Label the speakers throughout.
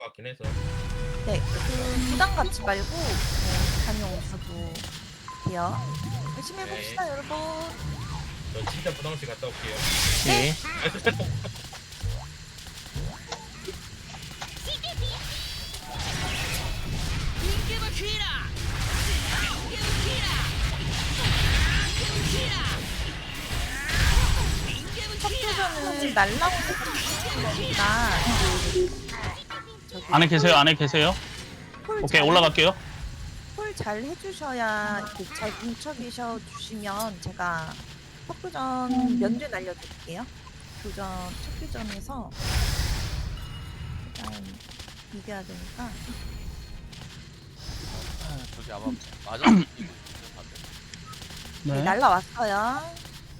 Speaker 1: 같긴 해서.
Speaker 2: 네, 그 부담 갖지 말고 다녀오셔도 돼요. 열심히 해봅시다, 여러분.
Speaker 1: 저 진짜 부담없이 갔다 올게요.
Speaker 3: 네.
Speaker 2: 첫 날라오는 거니까
Speaker 4: 안에 계세요? 안에 계세요? 오케이, 올라갈게요.
Speaker 2: 콜잘 해주셔야 이렇게 잘 뭉쳐 계셔 주시면 제가 첫 교전 면제 날려드릴게요. 교전 첫 교전에서 일단 이겨야 되니까.
Speaker 5: 저기 아마 맞아.
Speaker 2: 네, 날라왔어요.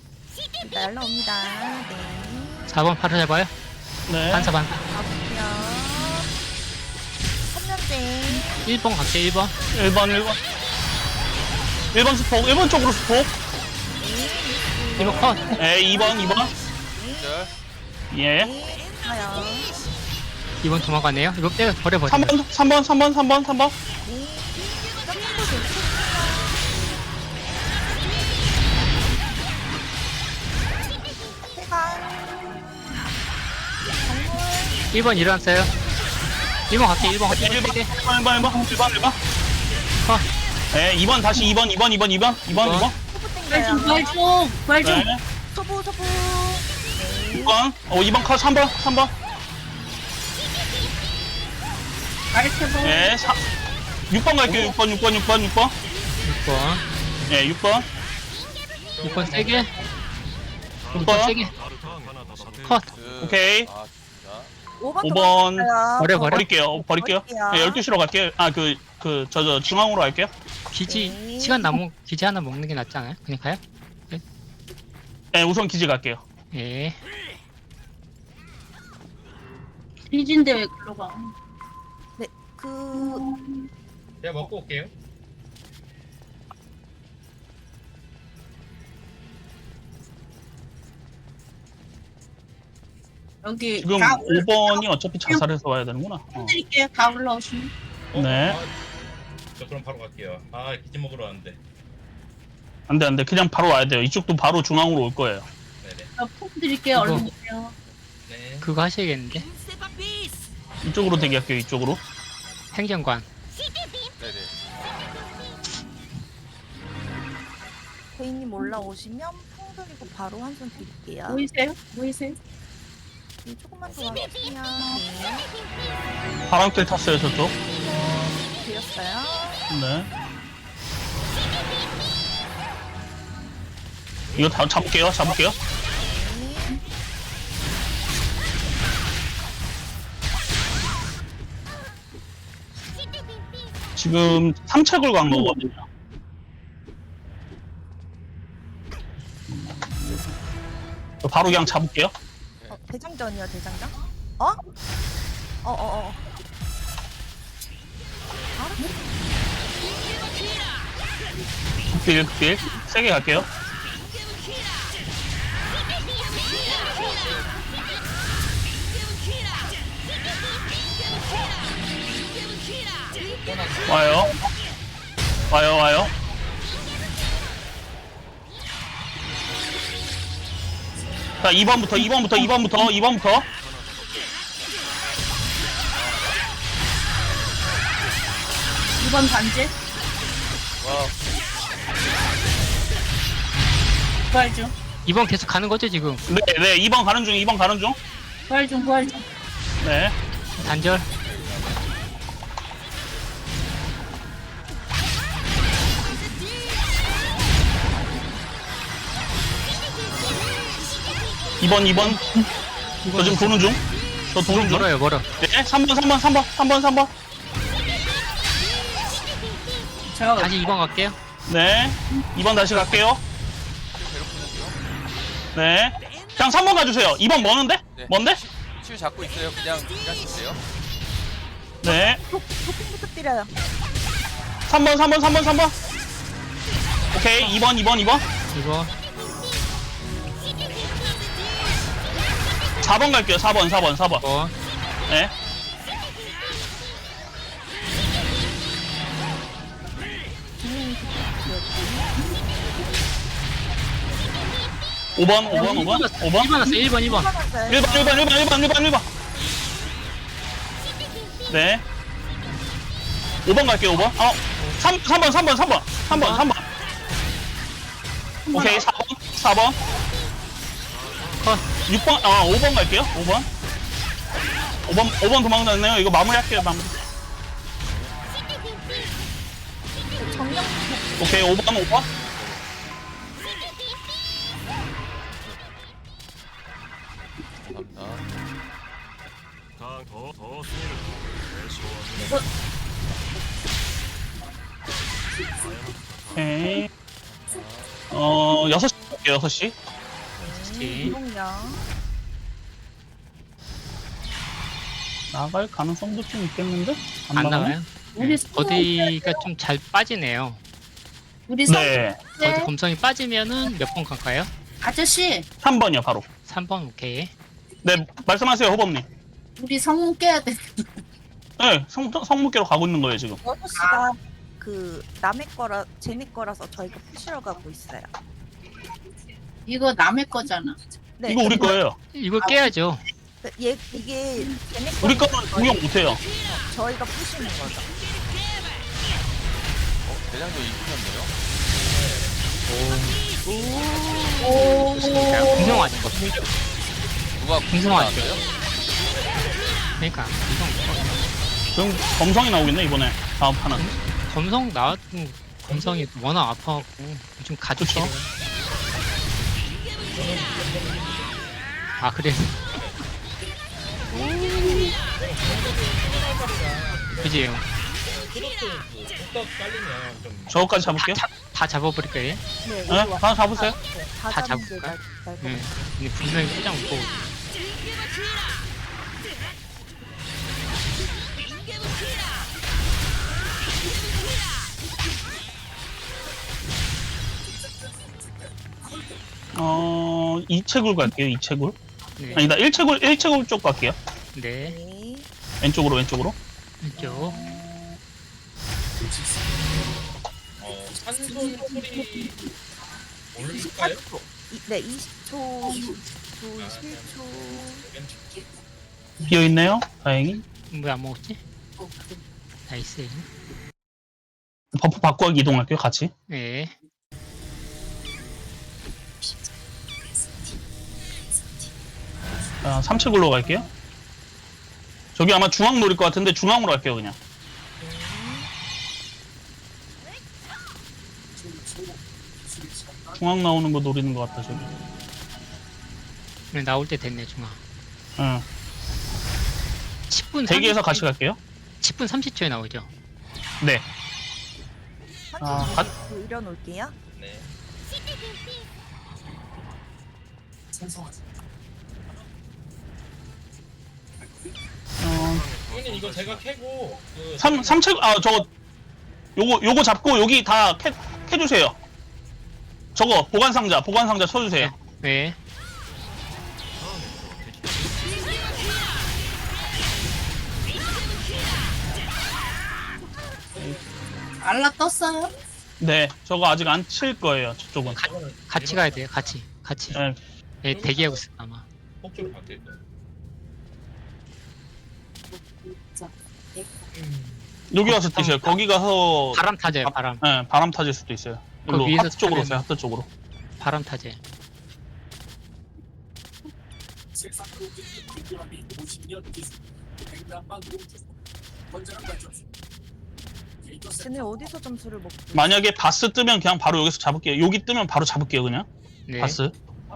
Speaker 2: 날라옵니다. 네.
Speaker 3: 4번 파를 해봐요.
Speaker 4: 네.
Speaker 3: 반사 반사.
Speaker 2: 가볼게요. 3년째.
Speaker 3: 1번 갈게요. 1번.
Speaker 4: 1번, 1번. 1번 스폭, 1번 쪽으로 스폭.
Speaker 3: 1번 컷.
Speaker 4: 네, 2번, 2번.
Speaker 5: 절.
Speaker 4: 예.
Speaker 2: 네, 가요.
Speaker 3: 2번 도망가네요. 이거 빼 버려버려.
Speaker 4: 3번, 3번, 3번, 3번, 3번.
Speaker 2: 네. 점프도 괜찮아요. 해강.
Speaker 3: 1번 일어났어요. 1번 갈게요. 1번 갈게요.
Speaker 4: 1번,
Speaker 3: 1번.
Speaker 4: 1번, 1번, 1번, 1번.
Speaker 3: 컷.
Speaker 4: 네, 2번, 다시 2번, 2번, 2번, 2번, 2번, 2번.
Speaker 2: 소부 땡겨요.
Speaker 4: 네,
Speaker 2: 소부. 네.
Speaker 4: 2번. 2번 컷, 3번, 3번. 네, 6번 갈게요. 6번, 6번, 6번, 6번.
Speaker 3: 6번.
Speaker 4: 네, 6번.
Speaker 3: 6번 세게. 6번
Speaker 4: 6번.
Speaker 3: 세게. 컷.
Speaker 4: 오케이.
Speaker 5: 아 진짜.
Speaker 2: 5번
Speaker 4: 5번.
Speaker 3: 버려.
Speaker 4: 버릴게요. 버릴게요. 네, 12시로 갈게요. 저 중앙으로 갈게요.
Speaker 3: 기지
Speaker 2: 네.
Speaker 3: 시간 남은 기지 하나 먹는 게 낫지 않아요? 그냥 가요?
Speaker 4: 네, 우선 기지 갈게요.
Speaker 3: 예.
Speaker 6: 리진데 왜 글로 가?
Speaker 2: 그
Speaker 1: 제가 먹고 올게요.
Speaker 6: 여기
Speaker 4: 지금
Speaker 6: 다
Speaker 4: 5번이 어차피 자살해서 와야 되는구나.
Speaker 6: 드릴게요. 다 올라오시면.
Speaker 4: 네.
Speaker 1: 저 그럼 바로 갈게요. 아, 기지 먹으러 왔는데.
Speaker 4: 안 돼, 안 돼. 그냥 바로 와야 돼요. 이쪽도 바로 중앙으로 올 거예요.
Speaker 1: 네네.
Speaker 6: 폼 드릴게요.
Speaker 3: 이거.
Speaker 6: 얼른 오세요.
Speaker 1: 네.
Speaker 3: 그거 하셔야겠는데.
Speaker 4: 이쪽으로 대기할게요, 이쪽으로.
Speaker 3: 행정관.
Speaker 5: 네네.
Speaker 2: 대인님 올라오시면 풍 드리고 바로 한 손 드릴게요.
Speaker 6: 보이세요? 보이세요?
Speaker 2: 네, 조금만 더 와주시면 네.
Speaker 4: 바람길 탔어요, 저쪽.
Speaker 2: 드렸어요.
Speaker 4: 네. 이거 다 잡을게요, 잡을게요.
Speaker 2: 네.
Speaker 4: 지금 3책을 간 거거든요. 바로 그냥 잡을게요.
Speaker 2: 대장전이요, 대장전? 어?
Speaker 4: 극딜, 극딜. 세게 갈게요. 와요. 와요. 자, 2번부터.
Speaker 6: 2번 반지.
Speaker 5: 와.
Speaker 6: 부활 중.
Speaker 3: 2번 계속 가는 거죠 지금?
Speaker 4: 네, 2번 가는 중.
Speaker 6: 부활 중.
Speaker 4: 네.
Speaker 3: 단절.
Speaker 4: 이번. 저 지금 도는 중. 저 도는 중.
Speaker 3: 멀어.
Speaker 4: 네, 3번.
Speaker 6: 제가
Speaker 3: 다시 2번 갈게요.
Speaker 4: 네. 2번 다시 갈게요.
Speaker 5: 괴롭히는 중.
Speaker 4: 네. 그냥 3번 가주세요. 2번 뭐는데?
Speaker 5: 네.
Speaker 4: 뭔데?
Speaker 5: 치유 잡고 있어요. 그냥 주세요.
Speaker 4: 네.
Speaker 2: 도핑 부탁드려요.
Speaker 4: 3번. 오케이. 2번.
Speaker 3: 2번.
Speaker 4: 4번 갈게요. 4번.
Speaker 3: 2번.
Speaker 4: 네. 5번 5번
Speaker 3: 1번 왔어요. 1번.
Speaker 2: 받았어요.
Speaker 4: 1번. 네. 5번 갈게요, 5번. 3번. 오케이, 4번.
Speaker 3: 컷.
Speaker 4: 6번, 5번 갈게요, 5번 도망갔네요. 이거 마무리할게요, 마무리.
Speaker 2: 정령
Speaker 4: 오케이, 5번.
Speaker 5: 감사합니다.
Speaker 4: 오케이. 6시 갈게요, 6시.
Speaker 2: 이동령.
Speaker 4: 나갈 가능성도 좀 있겠는데?
Speaker 3: 안
Speaker 4: 나가네?
Speaker 3: 나와요?
Speaker 6: 우리
Speaker 3: 어디가 좀 잘 빠지네요.
Speaker 6: 우리
Speaker 4: 네.
Speaker 3: 어디 검성이 빠지면은 몇 번 갈까요?
Speaker 6: 아저씨
Speaker 4: 3번이요, 바로.
Speaker 3: 3번 오케이.
Speaker 4: 네, 말씀하세요, 호범님.
Speaker 6: 우리 성문 깨야 돼.
Speaker 4: 네, 성무께로 가고 있는 거예요, 지금.
Speaker 2: 6시가 그 남의 거라 쟤네 거라서 저희가 푸시러 가고 있어요.
Speaker 6: 이거 남의 거잖아.
Speaker 2: 네.
Speaker 4: 이거 우리 거예요.
Speaker 3: 이걸 깨야죠.
Speaker 2: 얘 이게 쟤네
Speaker 4: 우리
Speaker 2: 거는
Speaker 4: 거는 공격 못해요.
Speaker 2: 저희가 푸시는 거죠.
Speaker 5: 대장도 이기셨네요.
Speaker 6: 오.
Speaker 3: 궁성하죠.
Speaker 5: 누가
Speaker 3: 궁성하죠.
Speaker 5: 나왔어요?
Speaker 3: 그러니까 궁성.
Speaker 4: 지금 검성이 나오겠네, 이번에. 다음 판은.
Speaker 3: 검성 나왔던 검성이 워낙 아파갖고 좀 가족이에요. 아 그래. 그지?
Speaker 1: 뚝딱 깔리면 좀
Speaker 4: 저거까지 잡을게요.
Speaker 3: 다 잡아버릴 거예요.
Speaker 2: 네.
Speaker 4: 네? 다 잡으세요.
Speaker 3: 다 잡을까? 네. 근데 분명히 포장 못 보고.
Speaker 4: 이채굴 갈게요, 이채굴.
Speaker 3: 네.
Speaker 4: 아니다, 1채굴 쪽 갈게요.
Speaker 3: 네.
Speaker 2: 네.
Speaker 4: 왼쪽으로.
Speaker 3: 이쪽.
Speaker 1: 산손 소리 올릴까요?
Speaker 2: 네, 20초, 20초, 21초.
Speaker 4: 비어있네요, 다행히.
Speaker 3: 왜 안 먹었지? 나이스.
Speaker 4: 버프 바꾸기 이동할게요, 같이.
Speaker 3: 네.
Speaker 4: 자, 3채굴로 갈게요. 저기 아마 중앙 노릴 것 같은데 중앙으로 갈게요, 그냥. 중앙 나오는 거 노리는 것 같다, 저기.
Speaker 3: 네, 나올 때 됐네 중앙.
Speaker 4: 응.
Speaker 3: 10분
Speaker 4: 대기해서 같이 갈게요.
Speaker 3: 10분 30초에 나오죠.
Speaker 4: 네.
Speaker 2: 한쪽 올려놓을게요.
Speaker 1: 네. 형님 이거 제가 캐고 그
Speaker 4: 3채, 저거, 요거 잡고 여기 다 캐주세요. 저거, 보관상자 쳐주세요.
Speaker 3: 네.
Speaker 6: 알라 떴어요?
Speaker 4: 네, 저거 아직 안 칠 거예요, 저쪽은.
Speaker 3: 같이 가야 돼요. 같이.
Speaker 4: 네,
Speaker 3: 네, 대기하고 있어 아마.
Speaker 1: 폭주로 바뀔 거예요.
Speaker 4: 여기 와서 뛰세요. 거기 가서
Speaker 3: 바람 타져요. 바람.
Speaker 4: 네, 바람 타질 수도 있어요.
Speaker 3: 그
Speaker 4: 일로
Speaker 3: 위에서
Speaker 4: 하트 쪽으로
Speaker 3: 타면-
Speaker 4: 오세요. 하트 쪽으로.
Speaker 3: 바람 타져.
Speaker 2: 쟤네 어디서 점수를 먹고?
Speaker 4: 만약에 바스 뜨면 그냥 바로 여기서 잡을게요. 여기 뜨면 바로 잡을게요, 그냥.
Speaker 3: 네.
Speaker 4: 바스.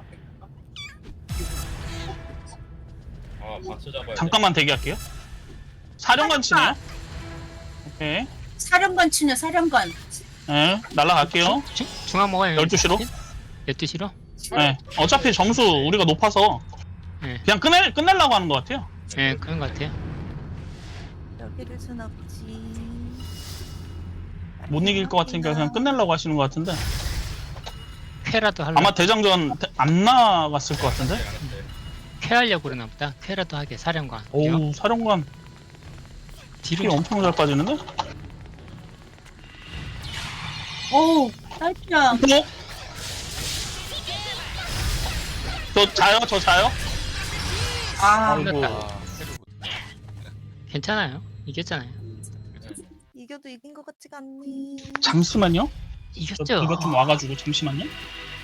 Speaker 1: 아 바스 잡아야
Speaker 4: 잠깐만 대기할게요. 사령관 치네요. 오케이.
Speaker 6: 사령관 치냐 사령관.
Speaker 4: 네, 날라갈게요.
Speaker 3: 중앙 먹어요.
Speaker 4: 12시로.
Speaker 3: 12시로?
Speaker 4: 네. 어차피 점수 우리가 높아서
Speaker 3: 네.
Speaker 4: 그냥 끝내려고 하는 것 같아요.
Speaker 3: 네, 그런 것 같아요.
Speaker 2: 여기를 순 없지.
Speaker 4: 못 이길 것 같으니까 그냥 끝내려고 하시는 것 같은데.
Speaker 3: 쾌라도 하려고.
Speaker 4: 아마 대장전 안 나갔을 것 같은데.
Speaker 1: 되는데
Speaker 3: 쾌하려고 그러나 보다. 쾌라도 하게 사령관.
Speaker 4: 오우, 사령관 피
Speaker 3: 뒤로
Speaker 4: 엄청 잘 빠지는데?
Speaker 6: 오 딸피야.
Speaker 4: 어? 저 자요? 저 자요?
Speaker 6: 아,
Speaker 4: 아이고.
Speaker 5: 아, 해도 못.
Speaker 3: 괜찮아요. 이겼잖아요.
Speaker 2: 이겨도 이긴 것 같지가 않니.
Speaker 4: 잠시만요. 저
Speaker 3: 이겼죠.
Speaker 4: 이것 좀 와가지고 잠시만요.